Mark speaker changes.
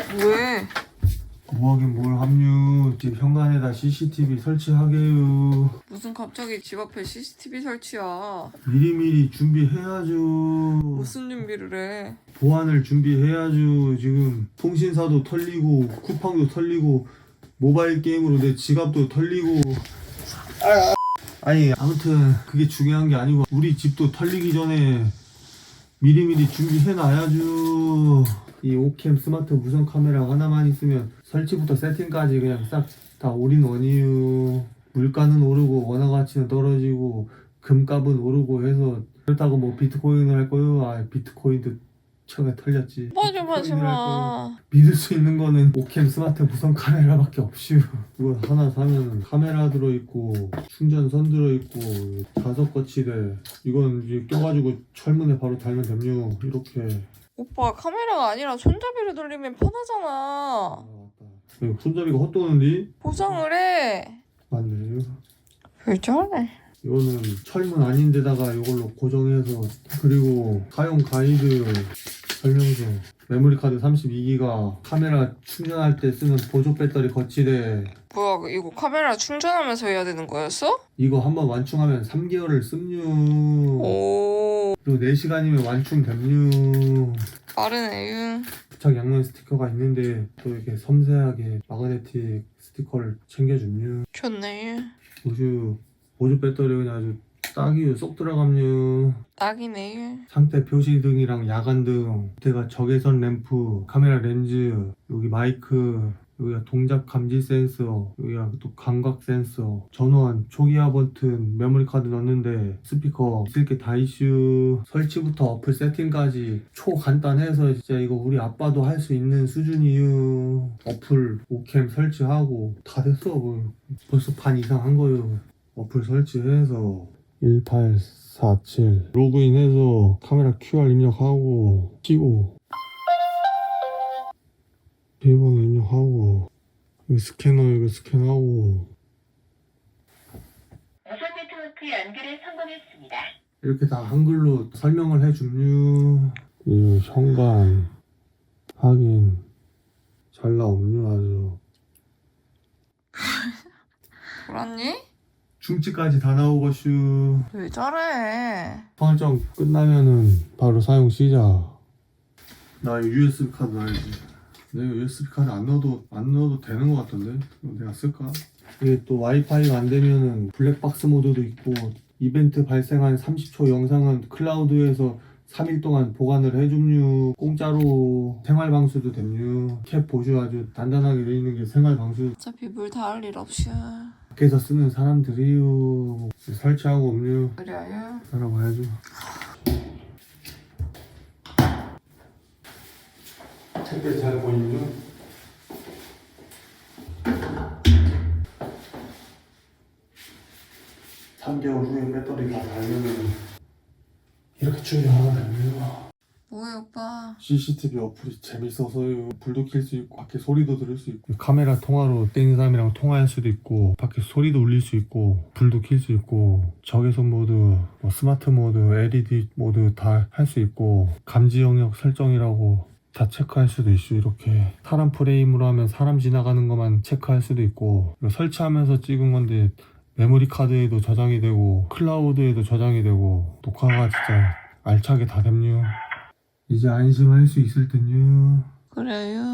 Speaker 1: 왜?
Speaker 2: 뭐하긴 뭘 합류. 집 현관에다 CCTV 설치하게요.
Speaker 1: 무슨 갑자기 집 앞에 CCTV 설치야.
Speaker 2: 미리미리 준비해야죠.
Speaker 1: 무슨 준비를 해?
Speaker 2: 보안을 준비해야죠. 지금 통신사도 털리고 쿠팡도 털리고 모바일 게임으로 내 지갑도 털리고. 아니 아무튼 그게 중요한 게 아니고 우리 집도 털리기 전에 미리미리 준비해놔야죠. 이 오캠 스마트 무선 카메라 하나만 있으면 설치부터 세팅까지 그냥 싹 다 올인원이유. 물가는 오르고 원화 가치는 떨어지고 금값은 오르고 해서 그렇다고 뭐 비트코인을 할 거요? 아 비트코인도 최근에 털렸지.
Speaker 1: 오빠 좀 하지 마.
Speaker 2: 믿을 수 있는 거는 오캠 스마트 무선 카메라밖에 없슈. 이거 하나 사면 카메라 들어있고 충전선 들어있고 자석 거치대. 이건 이제 껴가지고 철문에 바로 달면 됩요. 이렇게.
Speaker 1: 오빠 카메라가 아니라 손잡이를 돌리면 편하잖아.
Speaker 2: 아 맞다. 이거 손잡이가 헛도는디?
Speaker 1: 보상을 해.
Speaker 2: 맞네.
Speaker 1: 왜 저래?
Speaker 2: 이거는 철문 아닌데다가 이걸로 고정해서. 그리고 사용 가이드 설명서. 메모리 카드 32기가 카메라 충전할 때 쓰는 보조 배터리 거치대.
Speaker 1: 뭐야 이거 카메라 충전하면서 해야 되는 거였어?
Speaker 2: 이거 한번 완충하면 3개월을 씁류.
Speaker 1: 오
Speaker 2: 그리고 4시간이면 완충됨류.
Speaker 1: 빠르네.
Speaker 2: 부착 양면 스티커가 있는데 또 이렇게 섬세하게 마그네틱 스티커를 챙겨줌류.
Speaker 1: 좋네.
Speaker 2: 보조 배터리 그냥 아주 딱이요. 쏙 들어감류.
Speaker 1: 딱이네.
Speaker 2: 상태 표시등이랑 야간등, 밑에가 적외선 램프, 카메라 렌즈, 여기 마이크, 여기가 동작 감지 센서, 여기가 또 감각 센서, 전원, 초기화 버튼, 메모리 카드 넣는데 스피커 있을 게 다 이슈. 설치부터 어플 세팅까지 초간단해서 진짜 이거 우리 아빠도 할 수 있는 수준이유. 어플 오캠 설치하고 다 됐어. 뭐. 벌써 반 이상 한 거요. 어플 설치해서 1847 로그인해서 카메라 QR 입력하고 치고 비밀번호 입력하고 여기 스캐너 이거 스캔하고
Speaker 3: 무선 네트워크 연결에 성공했습니다.
Speaker 2: 이렇게 다 한글로 설명을 해줌요. 이거 현관 확인 잘 나옴요. 아주
Speaker 1: 돌았니?
Speaker 2: 중치까지 다 나오고슈.
Speaker 1: 왜 저래?
Speaker 2: 설정 끝나면은 바로 사용 시작. 나 이거 USB 카드 넣어야지. 내가 USB 카드 안 넣어도 되는 것 같던데? 이거 내가 쓸까? 이게 또 와이파이가 안 되면은 블랙박스 모드도 있고 이벤트 발생한 30초 영상은 클라우드에서 3일 동안 보관을 해줌유. 공짜로 생활방수도 됨유. 캡 보조 아주 단단하게 돼 있는 게 생활방수.
Speaker 1: 어차피 물 닿을 일 없이.
Speaker 2: 밖에서 쓰는 사람들이요. 설치하고 없유.
Speaker 1: 그래요?
Speaker 2: 따라와야죠. 택배 잘 보이죠? (3개월) 후에 배터리가 달면은 이렇게 충전하면 됩니다.
Speaker 1: 뭐해 오빠?
Speaker 2: CCTV 어플이 재밌어서요. 불도 켤 수 있고 밖에 소리도 들을 수 있고 카메라 통화로 땡 사람이랑 통화할 수도 있고 밖에 소리도 울릴 수 있고 불도 켤 수 있고 적외선 모드, 뭐 스마트 모드, LED 모드 다 할 수 있고 감지 영역 설정이라고 다 체크할 수도 있고 이렇게 사람 프레임으로 하면 사람 지나가는 것만 체크할 수도 있고 이거 설치하면서 찍은 건데 메모리 카드에도 저장이 되고 클라우드에도 저장이 되고 녹화가 진짜 알차게 다 됩니다. 이제 안심할 수 있을 듯요.
Speaker 1: 그래요?